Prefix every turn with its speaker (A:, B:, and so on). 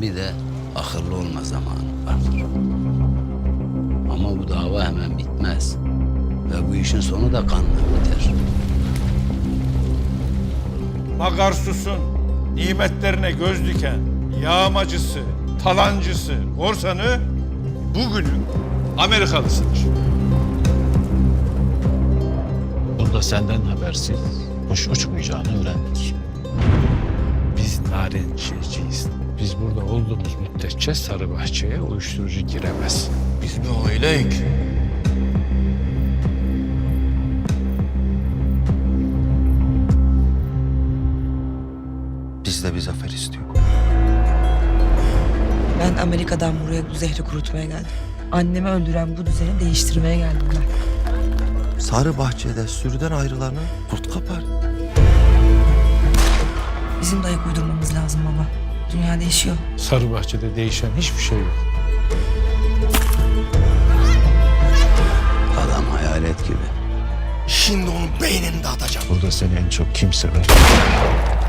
A: bir de akıllı olma zamanı vardır. Ama bu dava hemen bitmez. Ve bu işin sonu da kanla biter.
B: Magarsus'un nimetlerine göz diken yağmacısı, talancısı, korsanı bugünün Amerikalısıdır.
C: Bunda senden habersiz kuş uçmayacağını öğrendik.
D: Biz narenciyeyiz. Biz burada olduğumuz müddetçe Sarıbahçe'ye uyuşturucu giremez.
E: Biz bir aileyik. Biz de bir zafer istiyor.
F: Ben Amerika'dan buraya bu zehri kurutmaya geldim. Annemi öldüren bu düzeni değiştirmeye geldim ben.
E: Sarı bahçede sürüden ayrılanı kurt kapar.
F: Bizim de ayak uydurmamız lazım baba. Dünya değişiyor.
D: Sarıbahçe'de değişen hiçbir şey yok.
A: Adam hayalet gibi.
E: Şimdi onun beynini dağıtacağım.
C: Burada seni en çok kim sever?